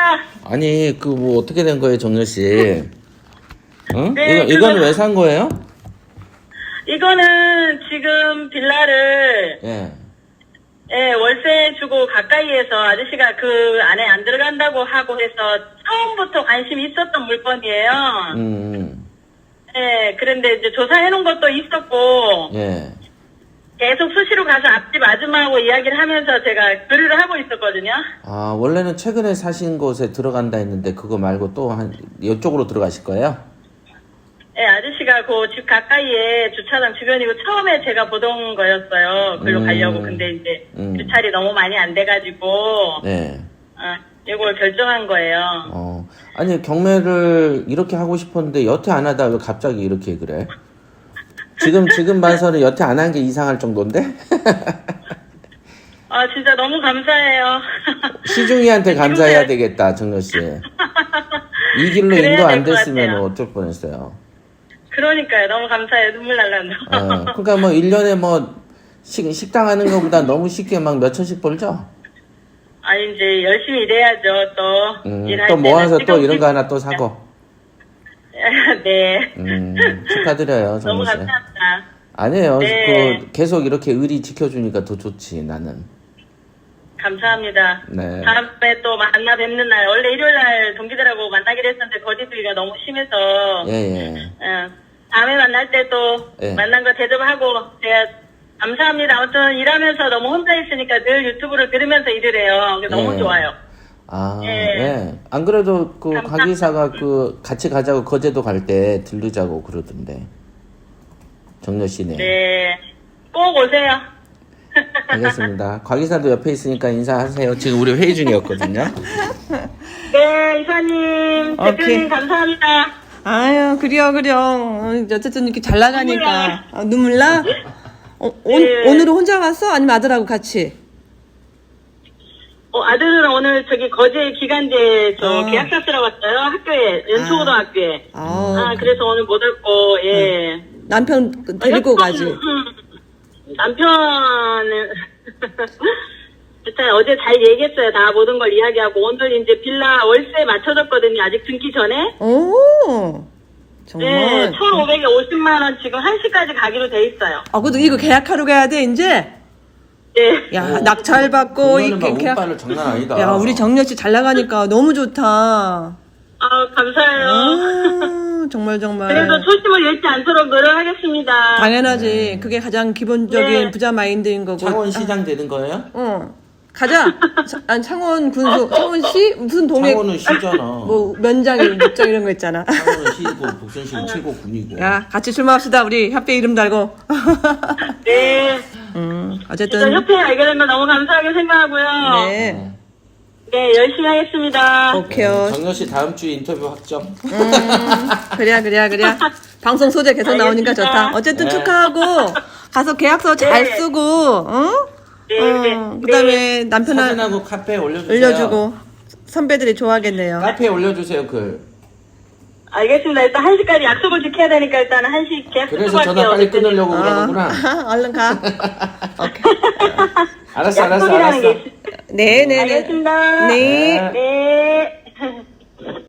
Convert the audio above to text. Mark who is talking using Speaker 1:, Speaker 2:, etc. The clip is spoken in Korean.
Speaker 1: 아니, 그 뭐 어떻게 된 거예요, 정렬 씨? 응?
Speaker 2: 네,
Speaker 1: 이거는 왜 산 거예요?
Speaker 2: 이거는 지금 빌라를
Speaker 1: 예.
Speaker 2: 예, 월세 주고 가까이에서 아저씨가 그 안에 안 들어간다고 하고 해서 처음부터 관심이 있었던 물건이에요. 예, 그런데 이제 조사해 놓은 것도 있었고
Speaker 1: 예.
Speaker 2: 계속 수시로 가서 앞집 아줌마하고 이야기를 하면서 제가 교류를 하고 있었거든요.
Speaker 1: 아, 원래는 최근에 사신 곳에 들어간다 했는데 그거 말고 또 이쪽으로 들어가실 거예요?
Speaker 2: 예, 아저씨가 그 집 가까이에 주차장 주변이고 처음에 제가 보던 거였어요. 글로 가려고. 근데 이제 주차리 너무 많이 안 돼가지고
Speaker 1: 네.
Speaker 2: 이걸 결정한 거예요.
Speaker 1: 아니, 경매를 이렇게 하고 싶었는데 여태 안 하다 왜 갑자기 이렇게 그래? 지금 봐서는 여태 안 한 게 이상할 정도인데?
Speaker 2: 진짜 너무 감사해요.
Speaker 1: 시중이한테 감사해야 되겠다, 정렬 씨. 이 길로 인도 안 됐으면 어쩔 뻔했어요.
Speaker 2: 그러니까요. 너무 감사해요. 눈물 날란다.
Speaker 1: 그러니까 뭐 1년에 뭐 식당 하는 것보다 너무 쉽게 막 몇 천씩 벌죠?
Speaker 2: 아니 이제 열심히 일해야죠. 또 일할
Speaker 1: 또 모아서
Speaker 2: 때는
Speaker 1: 또 이런 거 하나 또 사고.
Speaker 2: 네.
Speaker 1: 축하드려요, 정렬
Speaker 2: 너무
Speaker 1: 씨.
Speaker 2: 감사합니다.
Speaker 1: 아니에요.
Speaker 2: 네.
Speaker 1: 계속 이렇게 의리 지켜주니까 더 좋지, 나는.
Speaker 2: 감사합니다.
Speaker 1: 네.
Speaker 2: 다음에 또 만나 뵙는 날, 원래 일요일 날 동기들하고 만나기로 했었는데 거리두기가 너무 심해서
Speaker 1: 예.
Speaker 2: 다음에 만날 때 또
Speaker 1: 예.
Speaker 2: 만난 거 대접하고 제가 감사합니다. 아무튼 일하면서 너무 혼자 있으니까 늘 유튜브를 들으면서 일을 해요. 너무
Speaker 1: 예.
Speaker 2: 좋아요.
Speaker 1: 예. 안 그래도 그 과기사가 그 같이 가자고 거제도 갈 때 들르자고 그러던데. 정렬 씨네.
Speaker 2: 네. 꼭 오세요.
Speaker 1: 알겠습니다. 과기사도 옆에 있으니까 인사하세요. 지금 우리 회의 중이었거든요.
Speaker 2: 네, 이사님, 대표님 감사합니다.
Speaker 3: 아유, 그래요. 어쨌든 이렇게 잘 나가니까. 눈물 나?
Speaker 2: 네.
Speaker 3: 오늘은 혼자 갔어? 아니면 아들하고 같이?
Speaker 2: 아들은 오늘 저기 거제 기간제 계약서 쓰러 왔어요. 학교에, 연초고등학교에. 그래서 오늘 못 왔고, 예.
Speaker 3: 남편 데리고 가지.
Speaker 2: 남편은, 일단 어제 잘 얘기했어요. 다 모든 걸 이야기하고. 오늘 이제 빌라 월세 맞춰줬거든요. 아직 등기 전에.
Speaker 3: 오, 정말.
Speaker 2: 네, 1,550만원 지금 1시까지 가기로 돼 있어요.
Speaker 3: 그래도 이거 계약하러 가야 돼, 이제?
Speaker 2: 네.
Speaker 3: 야, 낙찰 받고,
Speaker 1: 이거는 막 운빨을 장난 아니다.
Speaker 3: 야, 우리 정렬 씨 잘 나가니까 너무 좋다.
Speaker 2: 감사해요.
Speaker 3: 정말.
Speaker 2: 그래도 초심을 잃지 않도록 노력하겠습니다.
Speaker 3: 당연하지. 그게 가장 기본적인 부자 마인드인 거고.
Speaker 1: 창원시장 되는 거예요?
Speaker 3: 가자. 창원 군수, 창원시 무슨 동네.
Speaker 1: 창원은 시잖아.
Speaker 3: 뭐 면장, 목장 이런 거 있잖아.
Speaker 1: 창원은 시고 북선시는 최고 군이고.
Speaker 3: 야, 같이 술 마십시다. 우리 협회 이름 달고.
Speaker 2: 네.
Speaker 3: 어쨌든.
Speaker 2: 협회 알게 된 거 너무 감사하게 생각하고요.
Speaker 3: 네.
Speaker 2: 네, 열심히 하겠습니다.
Speaker 3: 오케이요.
Speaker 1: 정렬 씨 다음 주에 인터뷰 확정.
Speaker 3: 그래. 방송 소재 계속 나오니까 좋다. 어쨌든
Speaker 1: 네.
Speaker 3: 축하하고 가서 계약서 잘 쓰고, 그다음에 남편하고
Speaker 1: 사진하고 카페에 올려주세요.
Speaker 3: 올려주고 선배들이 좋아하겠네요.
Speaker 1: 카페에 올려주세요, 글.
Speaker 2: 알겠습니다. 일단 1시까지 약속을 지켜야 되니까 일단 1시 계약
Speaker 1: 그래서 전화 빨리 끊으려고 그러는구나.
Speaker 3: 얼른 가.
Speaker 1: 알았어.
Speaker 2: 약속이라는 게 있어요.
Speaker 3: 네.
Speaker 2: 알겠습니다.
Speaker 3: 네.
Speaker 2: 네.